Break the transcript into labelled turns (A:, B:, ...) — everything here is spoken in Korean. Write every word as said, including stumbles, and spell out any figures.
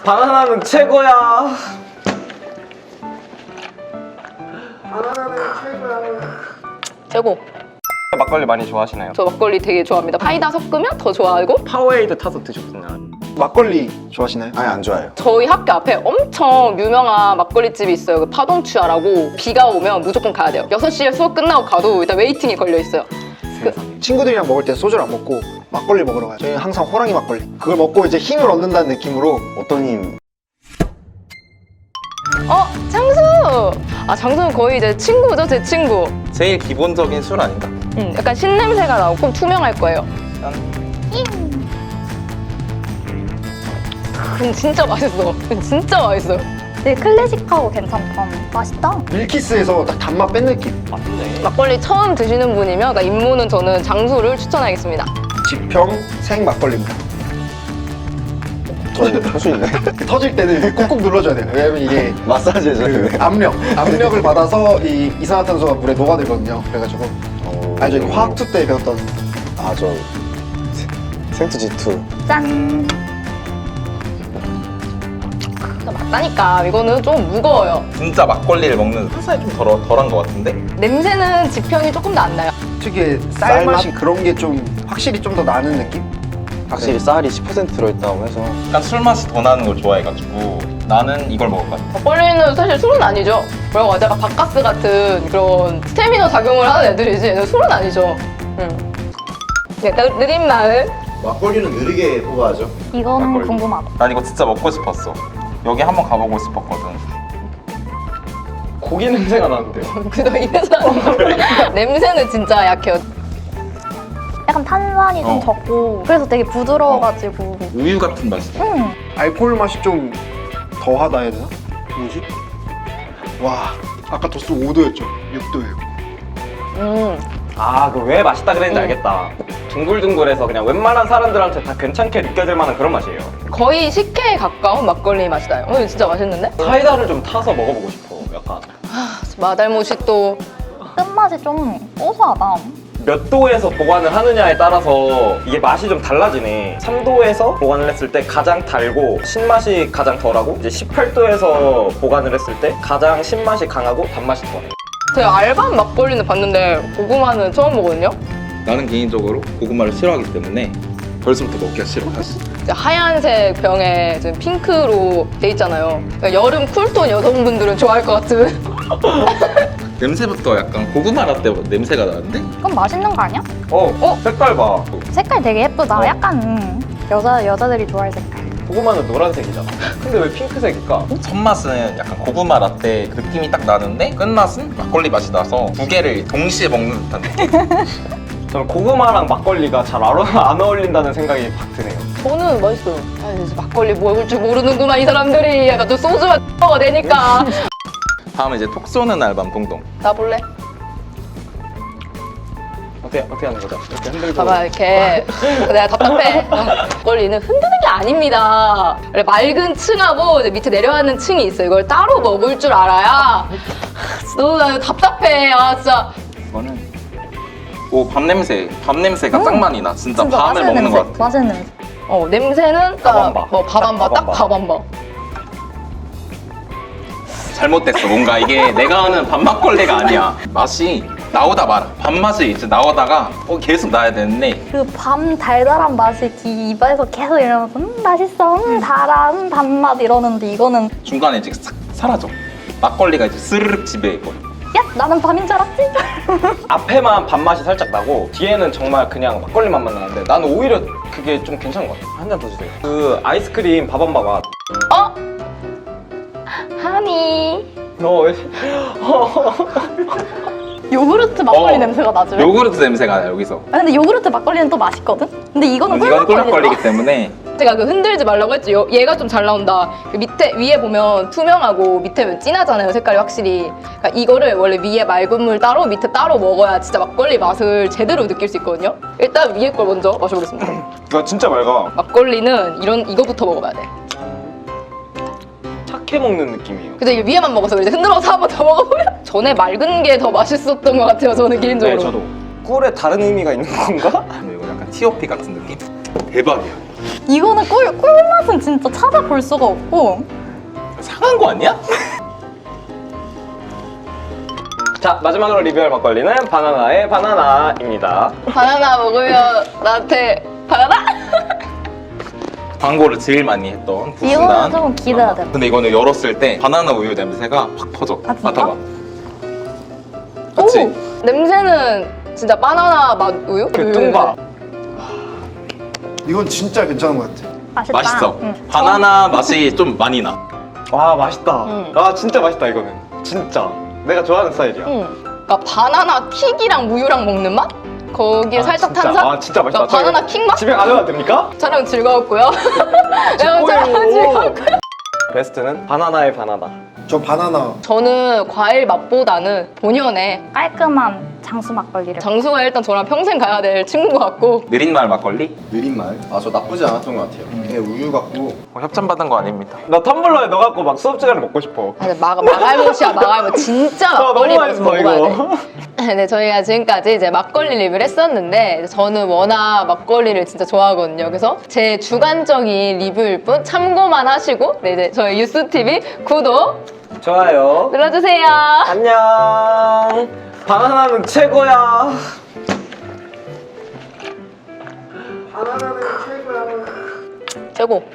A: 바나나는 최고야.
B: 바나나는 최고야.
C: 최고.
A: 막걸리 많이 좋아하시나요?
C: 저 막걸리 되게 좋아합니다. 파이다 섞으면 더 좋아하고.
A: 파워에이드 타서 드셨나요?
B: 막걸리 좋아하시나요?
D: 아니 안 좋아해요.
C: 저희 학교 앞에 엄청 유명한 막걸리집이 있어요. 그 파동추아라고. 비가 오면 무조건 가야 돼요. 여섯 시에 수업 끝나고 가도 일단 웨이팅이 걸려 있어요.
B: 친구들이랑 먹을 때 소주를 안 먹고 막걸리 먹으러 가요. 저희는 항상 호랑이 막걸리. 그걸 먹고 이제 힘을 얻는다는 느낌으로.
D: 어떤 힘?
C: 어? 장수! 아 장수는 거의 이제 친구죠, 제 친구.
A: 제일 기본적인 술 아닌가?
C: 음, 약간 신냄새가 나고 꼭 투명할 거예요. 음, 진짜 맛있어. 진짜 맛있어요.
E: 되게 클래식하고 괜찮다. 맛있다.
B: 밀키스에서 딱 단맛 뺀 느낌.
A: 맞네.
C: 막걸리 처음 드시는 분이면 그러니까 입문은 저는 장수를 추천하겠습니다.
B: 지평 생 막걸리입니다.
D: 저는 할 수 있나요?
B: 터질 때는 꾹꾹 눌러줘야 돼요. 왜냐면 이게
D: 마사지
B: 그
D: 해줘요.
B: 압력, 압력을 받아서 이 이산화탄소가 물에 녹아들거든요. 그래가지고
D: 어...
B: 아니 저희 화학투 때 배웠던.
D: 아저 생투 지투.
E: 짠.
C: 맞다니까. 이거는 좀 무거워요.
A: 진짜 막걸리를 먹는 한살이 좀 덜, 덜한 것 같은데?
C: 냄새는 지평이 조금 더 안 나요.
B: 특유의 쌀맛이 그런 게 좀 확실히 좀 더 나는 느낌?
D: 확실히 쌀이 십 퍼센트 들어있다고 해서
A: 약간 술 맛이 더 나는 걸 좋아해가지고 나는 이걸 먹을 것 같아.
C: 막걸리는 사실 술은 아니죠. 뭐라고 하죠? 약간 바카스 같은 그런 스태미너 작용을 하는 애들이지. 얘는 술은 아니죠. 음. 네, 느린 마을.
D: 막걸리는 느리게 뽑아야죠.
E: 이거는
A: 막걸리.
E: 궁금하다.
A: 난 이거 진짜 먹고 싶었어. 여기 한번 가보고 싶었거든. 고기 냄새가 나는데요?
C: 그저 이래서 냄새는 진짜 약해요.
E: 약간 탄산이 좀
A: 어.
E: 적고 그래서 되게 부드러워가지고.
A: 우유 같은 맛이야.
E: 음.
B: 알코올 맛이 좀 더하다 해야 되나? 뭐지? 와, 아까 도수 오 도였죠? 육 도예요.
C: 음.
F: 아, 그 왜 맛있다 그랬는지
C: 음.
F: 알겠다. 둥글둥글해서 그냥 웬만한 사람들한테 다 괜찮게 느껴질 만한 그런 맛이에요.
C: 거의 식혜에 가까운 막걸리 맛이 나요. 어, 이거 진짜 맛있는데?
F: 사이다를 좀 타서 먹어보고 싶어, 약간.
C: 마달못이 또
E: 끝맛이 좀 고소하다.
F: 몇 도에서 보관을 하느냐에 따라서 이게 맛이 좀 달라지네. 삼 도에서 보관을 했을 때 가장 달고 신맛이 가장 덜하고 이제 십팔 도에서 보관을 했을 때 가장 신맛이 강하고 단맛이 덜해.
C: 제가 알밤 막걸리는 봤는데 고구마는 처음 먹거든요.
A: 나는 개인적으로 고구마를 싫어하기 때문에 벌써부터 먹기가 싫어. 사실.
C: 이제 하얀색 병에 지금 핑크로 돼 있잖아요. 그러니까 여름 쿨톤 여성분들은 좋아할 것 같은.
A: 냄새부터 약간 고구마 라떼 냄새가 나는데?
E: 그건 맛있는 거 아니야?
F: 어, 어? 색깔 봐.
E: 색깔 되게 예쁘다.
F: 어.
E: 약간 음, 여자, 여자들이 좋아할 색깔.
F: 고구마는 노란색이잖아. 근데 왜 핑크색일까?
A: 첫맛은 약간 고구마 라떼 그 느낌이 딱 나는데 끝맛은 막걸리 맛이 나서 두 개를 동시에 먹는 듯한 느낌.
F: 저는 고구마랑 막걸리가 잘 안 안 어울린다는 생각이 확 드네요.
C: 저는 맛있어요. 아, 이제 막걸리 먹을 줄 모르는구만 이 사람들이. 약간 또 소주만 먹어야 되니까.
A: 다음에 이제 톡 쏘는 알밤 동동.
C: 나 볼래?
F: 어떻게, 어떻게 하는 거죠? 이렇게 흔들고.
C: 봐봐 이렇게. 내가 답답해. 어, 막걸리는 흔드는 게 아닙니다. 원래 맑은 층하고 이제 밑에 내려가는 층이 있어요. 이걸 따로 먹을 줄 알아야. 너무 나 답답해. 아 진짜.
A: 이거는 오, 밥 냄새. 밥 냄새가 딱 많이 나. 진짜,
E: 진짜
A: 밤을
E: 맛있는
A: 먹는
E: 냄새.
A: 것 같아.
E: 맛있는 냄새.
C: 어 냄새는
F: 밥한바.
C: 뭐밥한바 딱 밥한바.
A: 잘못됐어. 뭔가 이게 내가 아는 밥 막걸리가 아니야. 맛이 나오다 말아. 밥맛이 이제 나오다가 어, 계속 나야 되는데
E: 그 밤 달달한 맛이 이 입안에서 계속 이러면서 음 맛있어, 음 달아, 음 단맛 이러는데 이거는
A: 중간에 이제 싹 사라져. 막걸리가 이제 스르륵 지배해버려.
E: 야 나는 밤인 줄 알았지?
F: 앞에만 밥맛이 살짝 나고 뒤에는 정말 그냥 막걸리 맛만 나는데 나는 오히려 그게 좀 괜찮은 것 같아. 한 잔 더 주세요. 그 아이스크림 밥한바 맛.
C: 어? 하니.
F: 너 왜?
E: 요구르트 막걸리
A: 어.
E: 냄새가 나죠?
A: 요구르트 냄새가 나 여기서.
E: 아, 근데 요구르트 막걸리는 또 맛있거든? 근데 이거는
A: 이건
E: 꿀막걸리다.
A: 꿀막걸리기 때문에
C: 제가 그 흔들지 말라고 했죠. 요- 얘가 좀 잘 나온다. 그 밑에 위에 보면 투명하고 밑에 진하잖아요. 색깔이 확실히. 그러니까 이거를 원래 위에 맑은 물 따로 밑에 따로 먹어야 진짜 막걸리 맛을 제대로 느낄 수 있거든요. 일단 위에 걸 먼저 마셔보겠습니다.
F: 나 진짜 맑아.
C: 막걸리는 이런 이거부터 먹어봐야 돼.
F: 착해 먹는 느낌이에요.
C: 근데 이게 위에만 먹어서 이제 흔들어서 한 번 더 먹어보면 전에 맑은 게 더 맛있었던 것 같아요. 저는 개인적으로.
F: 네, 저도. 꿀에 다른 의미가 있는 건가?
A: 이거 약간 티오피 같은 느낌? 대박이야.
E: 이거는 꿀, 꿀맛은 진짜 찾아볼 수가 없고.
A: 상한 거 아니야?
F: 자, 마지막으로 리뷰할 막걸리는 바나나의 바나나입니다.
C: 바나나 먹으면 나한테 바나나?
A: 광고를 제일 많이 했던
E: 이거는
A: 부순단.
E: 좀 기대가 돼.
A: 근데 이거는 열었을 때 바나나 우유 냄새가 확 퍼져.
E: 아, 진짜?
A: 맡아봐. 그치?
C: 오! 냄새는 진짜 바나나 맛 우유?
F: 그 뚱바.
B: 이건 진짜 괜찮은 것 같아.
E: 맛있다.
A: 맛있어.
E: 응.
A: 바나나 맛이 좀 많이 나.
F: 와, 맛있다.
C: 응.
F: 아, 진짜 맛있다, 이거는. 진짜. 내가 좋아하는 스타일이야.
C: 응. 그러니까 바나나 킥이랑 우유랑 먹는 맛? 거기에
F: 아,
C: 살짝
F: 진짜?
C: 탄산?
F: 아, 진짜 맛있다.
C: 그러니까 바나나 킥 맛?
F: 집에 가져가도 됩니까?
C: 촬영 즐거웠고요. 촬영 촬영 즐거웠고요.
F: 베스트는 바나나의 바나나.
B: 저 바나나
C: 저는 과일 맛보다는 본연의
E: 깔끔한 장수 막걸리를.
C: 장수가 일단 저랑 평생 가야 될 친구 같고
A: 느린말 막걸리?
D: 느린 말. 아, 저 나쁘지 않았던 것 같아요. 예, 우유 같고.
A: 뭐 협찬 받은 거 아닙니다.
F: 나 텀블러에 넣어갖고 막 수업 시간에 먹고 싶어.
C: 아, 근데 마, 마갈못이야 마갈못 진짜
F: 아, 너무
C: 막걸리
F: 맛있어,
C: 먹어야
F: 이거.
C: 돼. 네, 저희가 지금까지 이제 막걸리 리뷰를 했었는데 저는 워낙 막걸리를 진짜 좋아하거든요. 그래서 제 주관적인 리뷰일 뿐 참고만 하시고 네, 이제 저희 유스티비 구독
F: 좋아요.
C: 눌러주세요.
F: 안녕. 바나나는 최고야.
C: 최고.